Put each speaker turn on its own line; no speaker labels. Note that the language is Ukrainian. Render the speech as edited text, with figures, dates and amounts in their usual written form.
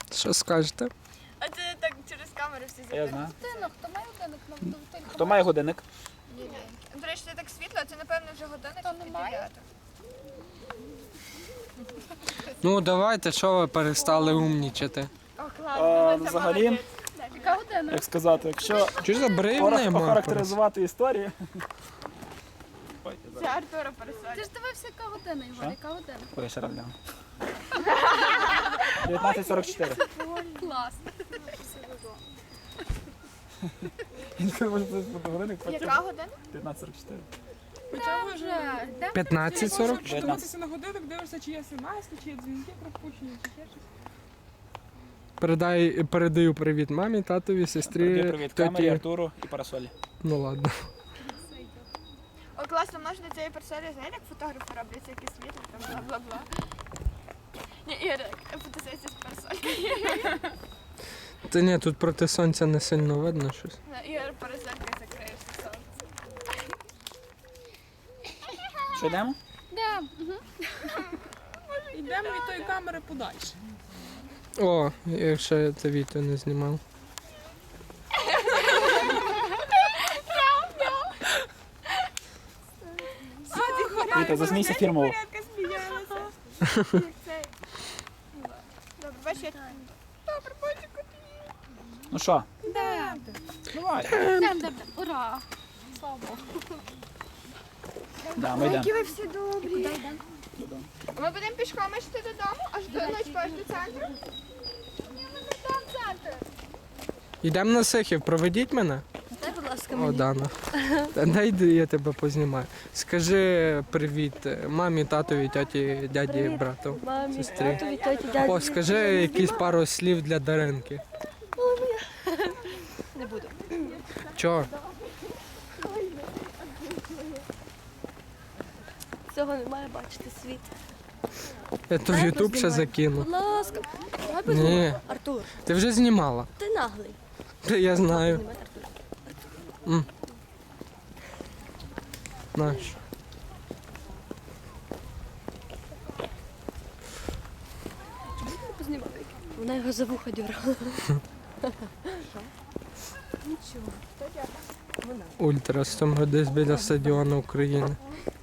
Що скажете?
А це так через камеру всі
Я
запитають.
знаю.
Годинник, хто має годинник?
Хто має годинник?
До речі, це так світло, це напевно вже годинник
Хто
і
не має?
9.
Ну давайте, що ви перестали умнічати?
О, класно.
Взагалі,
Яка година?
як сказати, якщо
Чи ж забрив нема?
охарактеризувати історію.
Це Артура пересадить.
Ти ж дивився, яка година, Ігор, яка година?
Ой, ще раз гляну. 19:44.
Клас.
Він може бути годинник, потім
Яка година?
19:44.
Та вже. Де?
15:44?
Дивитися на годинник, дивишся, чи є смс, чи є дзвінки пропущені, чи ще щось.
Передаю привіт мамі, татові, сестрі,
Привіт, камері,
тьоті.
Артуру і парасолі.
Ну ладно.
О, класно, можна цієї персони, знаєте, як фотографи роблять всякі світло, там бла-бла-бла. Ні, Ігор, фотосесія з персоною.
Та ні, тут проти сонця не сильно видно щось.
Ігор, пересадкою закриєш сонце.
Що йдемо?
Де?
Йдемо від тої камери подальше.
О, якщо я це відео не знімав.
Віта, засмійся фірмово.
Яка сміялася. Як цей. Добре, бачиш, я... Добре, бачу,
Ну що,
Де?
давай.
Де? Ура! Слава Богу.
Да, ми йдемо.
які ви всі добрі.
Куди йдемо?
Ми будемо пішком йти додому, аж до ночі аж до центру. Ні, ми не там центр.
Йдемо на Сихів, проведіть мене.
Дай, будь ласка,
О, Дана. Та дай я тебе познімаю. Скажи привіт мамі, татові, тьоті, дяді, брату, сестрі. О, скажи якісь пару слів для Даринки.
Не буду.
Чого?
Цього не має бачити світ.
Я то в Ютуб ще закину.
Будь ласка, давай
Ні,
познімай. Артур,
ти вже знімала.
ти наглий.
Та я знаю.
Знімай, Артур.
Наш.
Познімай. Вона його за вуха дьоргала.
Ультра 100 десь біля стадіону України.